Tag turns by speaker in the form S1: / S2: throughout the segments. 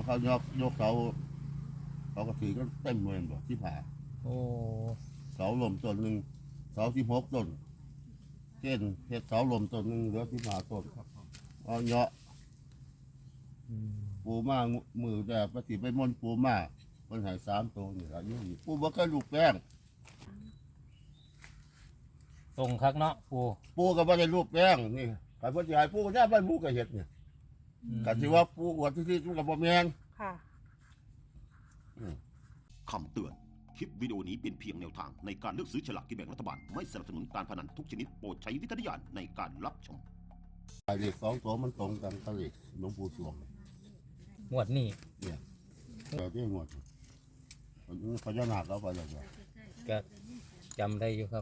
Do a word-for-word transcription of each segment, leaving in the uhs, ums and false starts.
S1: เขายกยกเสาเขาก็ถือก็เต็มเลยบ่ที่ผ่า
S2: โอ้
S1: เสาลมต้นหนึ่งเสาที่หกต้นเช่นเห็ดเสาลมต้นหนึ่งเหลือที่ผ่าต้นเอาเนาะ
S2: อืม
S1: ปูมามือแต่ปฏิไปมนปูมามันหายสามตัวนี่ละยี่ปูบ่เคยลูกแป้ง
S2: ตรงคักเนาะปู
S1: ปูก็บ่ได้ลูกแป้งนี่ใครบ่สิให้ปูก็ได้บ้านปูก็เฮ็ดเนี่ย
S2: อืม
S1: ก็สิว่าปูอวดที่ๆมันก็บ่แม่น
S3: ค่ะ
S4: คำเตือน คลิปวิดีโอนี้เป็นเพียงแนวทางในการเลือกซื้อฉลากกินแบ่งรัฐบาล ไม่สนับสนุนการพนันทุกชนิดโปรดใช้วิจารณญาณในการรับชม
S1: ไอ้เลขสองตัวมันตรงกันกับเลขหลวงปู่สวง
S2: งวดนี้
S1: เนี่ยแต่ที่งวดมันพญานาคเอาไปแล้วจ้ะ
S2: ก็จำได้อยู่ครับ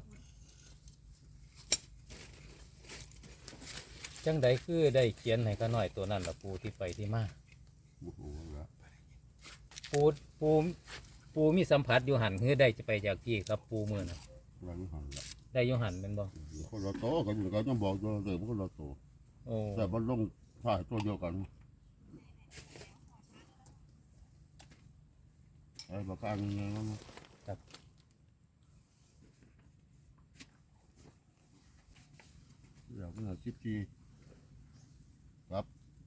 S2: จังใดคือได้เขียนให้ก็น้อยตัวนั้นละปูที่ไปที่มา
S1: โอ้โหแล้ว
S2: ปูปูปูมีสัมผัสอยู่หันคือได้จะไปจากที่ครับปูมือนะ
S1: แล้วนี่หันละ
S2: ได้อยู่หันเป็นบ่
S1: คนละโตกันอยู่กันต้องบอกตัวเดิมคนละโต
S2: โอ้
S1: แต่มันลงถ่ายตัวเดียวกันไอ้ประกันยังไงวะ
S2: ครับ
S1: เดี๋ยวมันชิปทีครับ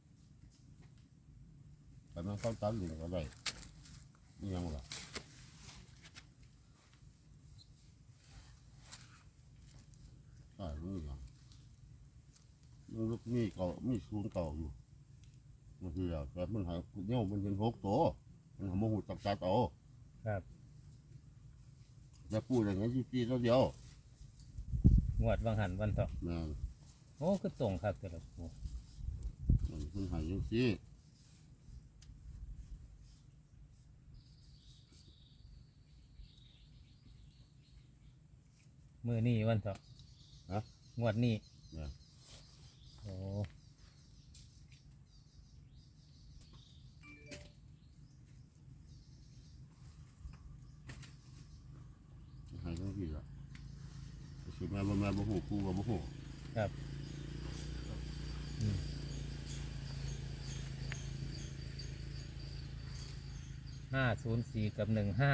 S1: แต่มันเข้าตันหนึ่งก็ได้นี่ยังล่ะใช่นี่ยังมันลูกมีเก่ามีศูนย์เก่าอยู่มันคือแต่มันหายเนี่ยมันเป็นหกตัวมันหาโมหูจับตาโต
S2: ครับ
S1: จะพูดอย่างนี้ชิปทีตัวเดียว
S2: งวดวังหันวันต่อ
S1: นะ
S2: โอ้คือตรงครับแต่ละปู
S1: มันมันหายยังซี่
S2: มือนี่วันต่อ
S1: ฮะ
S2: งวดนี้
S1: นะ
S2: โอ้
S1: หายยังซี่ละสิแม่บ่แม่บ่หูกูก็บ่หู
S2: ครับอืมห้าศูนย์สี่กับหนึ่งห้า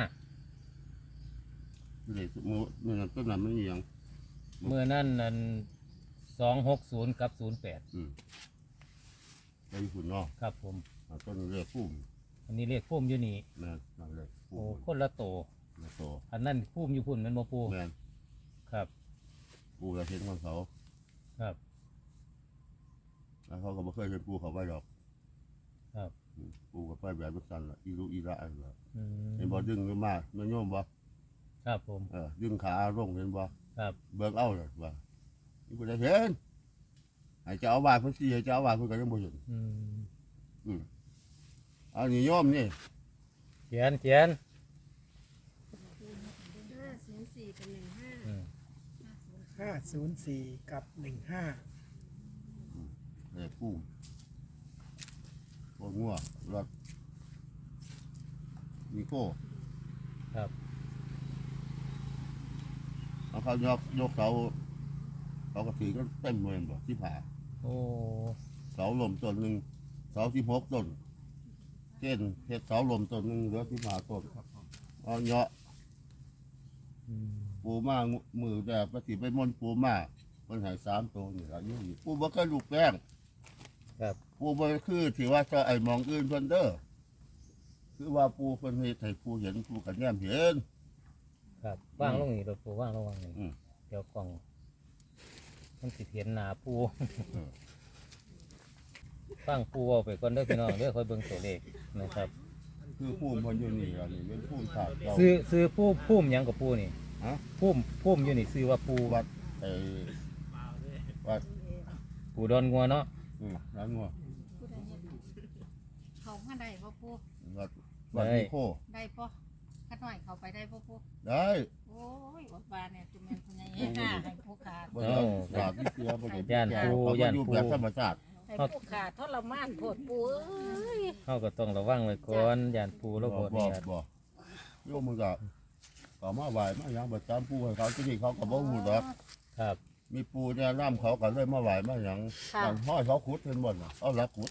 S1: เด็กมือมือนั้นต้นนั้นไม่มีหยัง
S2: เมื่อนั่นนั่นสองหกศูนย์กับศูนย์แปด
S1: อืมไปญี่ปุ่นเนาะ
S2: ครับผม
S1: อ่าต้นเรียกพุ่ม
S2: อันนี้เรียกพุ่มอยู่นี่
S1: แม่นนั่นเลย
S2: โอ้
S1: พุ่ม
S2: คนละโต
S1: มาโต
S2: อันนั้นพุ่มอยู่พุ่นแมันบ่ปู
S1: แม่น
S2: ครับ
S1: ปูจะเห็นของเขา
S2: ครับ
S1: แล้วเขาก็บ่เคยเห็นปูเขาไปหรอก
S2: ครับ
S1: อืมปูก็ไปแบบนั้นสั่นละอีรุอีระอันละ
S2: อืม
S1: เห็นบ่ดึงขึ้นมาแม่นโยมบ่
S2: ครับผม
S1: เออดึงขาลงเห็นบ่
S2: ครับ
S1: เบิ่งเอาเลยว่านี่บ่ได้เห็นให้เจ้าอาวาสเพิ่นสิให้เจ้าอาวาสเพิ่นก็ยังบ่เห็น
S2: อืม
S1: อืมอันนี้โยมนี่
S2: เขียนเขียน
S3: ห้าศูนย์สี่กับหนึ่งห้า
S2: อืม
S5: ห้าศูนย์สี่กับหนึ่งห้า
S1: เอ้ปูโอ้งัวรถมีโก้
S2: ครับ
S1: เอาเขายกยกเสาเขาก็ถือก็เต็มเลยบ่ที่ผ่า
S2: โอ้
S1: เสาลมต้นหนึ่งเสาที่หกต้นเช่นเห็ดเสาลมต้นหนึ่งเหลือที่ผ่าต้นเอาเนาะ
S2: อืม
S1: ปูมามือแต่ปฏิไปมนปูมามันหายสามตัวนี่ละยี่ปูบ่เคยลูกแป้ง
S2: ครับ
S1: ปูบ่คือที่ว่าจะไอ้มองอื่นเพิ่นเด้อคือว่าปูเพิ่นเฮ็ดให้ปูเห็นปูกันแย้มเห็น
S2: ครับว่างลงนี่รถปูว่างลงว่างนี่
S1: อืม
S2: เดี๋ยวกล่องมันสิเห็นหน้าปู
S1: เออ
S2: ฟังปูเอาไปก่อนเด้อพี่น้องเด้อคอยเบิ่งตัวเลขนะครับ
S1: คือปูเพิ่นอยู่นี่ล่ะนี่เป็นปูถาดเรา
S2: ซื้อซื้อปูพุ่มหยังกับปูนี่
S1: ฮะ
S2: พุ่มพุ่มอยู่นี่ซื้อว่าปู
S1: วัดไอ้วัด
S2: ปูดอนงัวเนาะ
S1: อืมร้านงัว
S3: ผู้ใดเฮ็ดเขามาได้พ่อปู
S1: วัดวัดนิโค
S3: ได้พ่อขัดหน่อยเขาไปได้พ่อปู
S1: ได้
S3: โอ้ยอดบานเนี่ยจุแม่นคนใหญ่ห้าให้ผู้ขาด
S1: บ่ได้ฝากที่เสียบ่ได้
S2: ย่านปู
S1: เขา
S2: ย่าน
S1: อยู่
S2: ปู
S1: แบบธรรมชาติ
S3: ให้ผู้ขาดทรมานโพดปูเอ้ย
S2: เขาก็ต้องระวังไว้ก่อนย่านปูแล้ว
S1: บ่
S2: บ่
S1: บ่
S2: เนี่ย
S1: บ่โยมมันก็ก็มาไหว้มาหยังประจำปูให้เขาที่นี่เขาก็บ่ฮู้ดอก
S2: ครับ
S1: มีปูเนี่ยน้ำเขาก็เลยมาไหว้มาหยังนั่นห้อยเขาขุดเพิ่นบ่น่ะเอาละขุด
S3: อ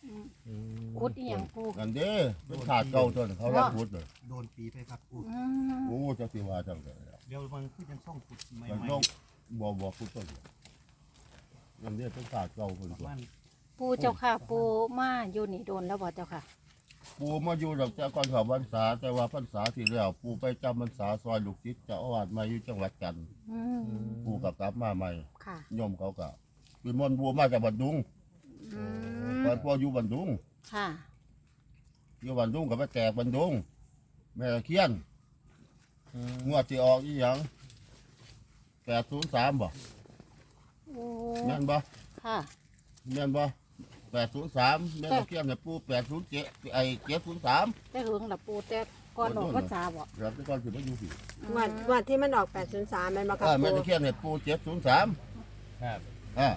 S2: อืม
S3: ขุดอีหยังปู
S1: อันเด้เป็นขาดเก่าจนเขารับพุทธเลย
S6: โดนปีไปครับปู
S3: อืม
S1: โอ้เจะสิว่าจังเลย
S6: เดี๋ยวมันคือยังส่องขุดใหม่
S1: มันต้องบ่บ่พุทธต้นอันเด้เป็นขาดเก่าคน
S6: ประ
S1: ตัว
S6: มาณ
S3: ปูเจ้าค่ะ ปูมาอยู่นี่โดนแล้วบ่เจ้าค่ะ
S1: ปูมาอยู่ดอกแต่ก่อนเขาพรรษาแต่ว่าพรรษาที่แล้วปูไปจำพรรษาซอยลูกศิษย์เจ้าอาวาสมาอยู่จังหวัดกันทร์
S3: อืม
S1: ปูกับกลับมาใหม่
S3: ค่ะ
S1: โยมเขาก็เป็นมนต์บัวมาจากบันดุง
S3: อื
S1: ตอ
S3: ม
S1: นพ่ออยู่บันดุง
S3: ค่ะ
S1: อยู่บันดุงกับไปแจกบันดุงแม่ตะเคียน
S2: อืม
S1: งวดที่ออกอีหยังแปดศูนย์สามบ่
S3: โอ้
S1: แม่นบ่
S3: ค่ะ
S1: แม่นบ่แปดศูนย์สามแม่ตะเคียนเนี่ยปูแปดศูนย์เจ็ดไอ้เจ็ดศูนย์สาม
S3: แต่หึงล่ะปูแต่ก่อนออกพรรษาบ่
S1: เดี๋ยวแต่ก่อนสิมาอยู่พี่
S7: งวดงวดที่มันออกแปดศูนย์สามแม่นบ่ค
S1: เอ
S7: รับ
S1: อแม่
S7: ปู
S1: ตะเคียนเนี่ยปูเจ็ดศูนย์สาม
S2: ครับ
S1: อ่า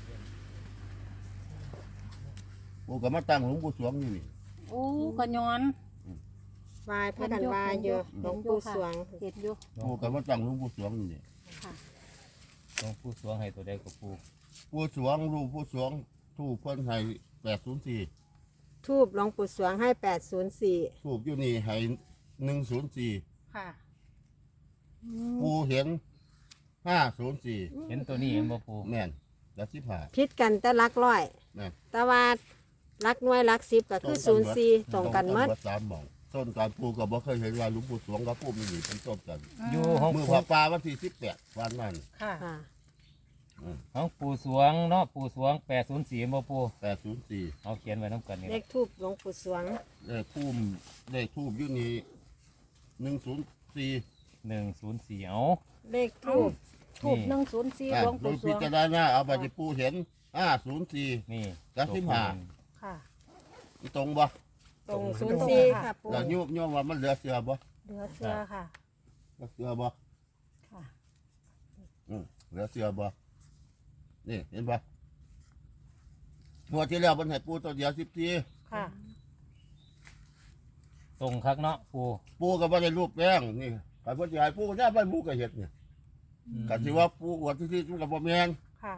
S1: ปูก็มาตั้งหลวงปู่สวงอยู่นี่
S3: โอ้ก็ย้อน
S7: วายพระกันวายอยู่หลวงปู่สวง
S3: เห็นอยู่
S1: ปูก็มาตั้งหลวงปู่สวงอยู่นี่
S3: ค่ะ
S2: หลวงปู่สวงให้ตัวใดกับปู
S1: ปู่สวงรูปปู่สวงทูปเพิ่นให้แปดศูนย์สี่
S7: ทูบหลวงปู่สวงให้แปดศูนย์สี่
S1: ทูปอยู่นี่ให้หนึ่งศูนย์สี่
S3: ค่ะ
S1: ปูเห็นห้าศูนย์สี่
S2: เห็นตัวนี้เห็นบ่ปู
S1: แม่นแล้วสิบห้า
S7: พิษกันแต่ลักร้อย
S1: แม่น
S7: แต่ว่าลักหน่วยลักสิบก็คือศูนย์สี่ตรงกันหมด
S1: ตรงสามหม่องต้นการปูก็บ่เคยเห็นว่าหลวงปู่สวงกับปู่มีนี่เป็นต้นกัน
S2: อยู่ห้อง
S1: มือ
S2: ปู
S1: พระป่าวันที่สิบแปดวันนั้น
S3: ค่ะ
S7: ค่ะ
S2: ห้องปู่สวงเนาะปู่สวงแปดศูนย์สี่บ่ปู
S1: แปดศูนย์สี่
S2: เอาเขียนไว้น้ำกันนี่
S7: เลขทูบหลวงปู่สวง
S1: เลขทูบเลขทูบอยู่นี่หนึ่งศูนย์สี่
S2: หนึ่งศูนย์สี่เอา
S7: เลขทูบ
S3: ถูกหนึ่งศูนย์สี่
S1: อ่ะ
S3: หลวง
S1: โด
S3: ปู่
S1: ย
S3: ส
S1: พิ
S3: วง
S1: จารณาเอาไปที่ปูเห็นห้าศูนย์สี่
S2: นี่
S1: กับสิบห้า
S3: ค่ะ
S1: ตรงบ่
S7: ตรงศูนย์สี่ค่ะปู
S1: แล้วโยมโยมว่ามันเหลือเสือบ่
S3: เหลือเสือค่ะ
S1: เหลือเสือบ่
S3: ค่ะ
S1: อืมเหลือเสือบ่นี่เห็นบ่งวดที่แล้วมันให้ปูตัวเดียวสิบสี่
S3: ค่ะ
S2: ตรงคักเนาะปู
S1: ปูก็บ่ได้รูปแป้งนี่การพ่อใหญ่ปูก็ได้บ้านปูก็เฮ็ดเนี่ยกันสิว่าปูอวดที่ที่มันก็บ่แม่น
S3: ค่ะ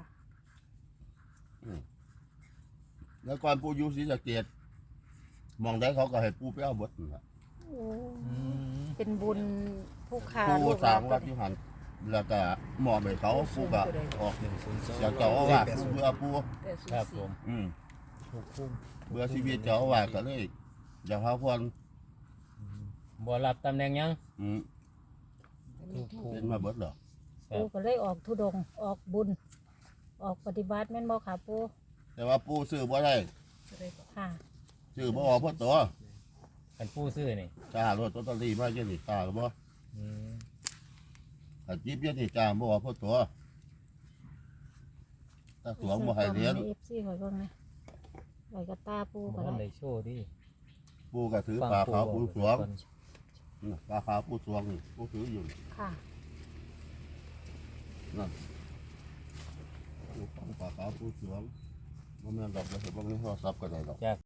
S1: แล้วก่อนปูอยู่ศรีสะเกษมองได้เขาก็ให้ปูไปเอาเบิดนั่นล่ะ
S3: โอ้
S2: อืม
S3: เป็นบุญผู้ค้า
S1: ปู
S3: ลูก
S1: สร้าง
S3: ห
S1: วั
S3: ลา
S1: ด
S3: น
S1: อยู่หันแล้วก็มอบให้เขาปูก็ออก
S2: หนึ่งศูนย์สอง
S1: อยากเจ้าอาวาสปูเบื่อปู
S2: ครับผม
S1: อืม
S2: ถูกคุ้ม
S1: เบื่อชีวิตเจ้าอาวาสก็เลยอยากหาพร
S2: บ่รับตำแหน่งหยัง
S1: อืม
S2: ถูกคุ้ม
S1: เป็นมาเบิดเหรอ
S2: ครั
S3: ปู
S2: บ
S3: ก็เลยออกธุดงค์ออกบุญ ออกปฏิบัติแม่นบ่ค่ะปู
S1: แต่ว่าปูซื้อบ่ได้
S3: ค่ะ
S1: ซื้อบ่ออกเพราะตัว
S2: กันปูซื้อนี่
S1: จ้ารถลอตเตอรี่มาเยอะนี่ตาก็บ่
S2: อืม
S1: ถ้าจิบเยอะนี่จ้าบ่ออกเพราะตัวถ้าสวงบ่ให้เรียน
S3: เอฟซีหอยเบิ่งนะหอยกระตาปู
S2: บ่
S3: ก็
S2: ทัน
S3: ได้
S2: ได้โชว์ดิ
S1: ปูก็ถือ
S2: ฟัง
S1: ปลา
S2: ปู
S1: ขาวปูสวง
S2: ก่อน
S1: อืมปลาขาวปูสวงนี่ปูถืออยู่นี่
S3: ค่ะ
S1: นั่นปูของปลาขาวปูสวงบ่แม่นดอกเดี๋ยวเห็นบ่มีโทรศัพท์ก็ได้ดอก
S2: จาก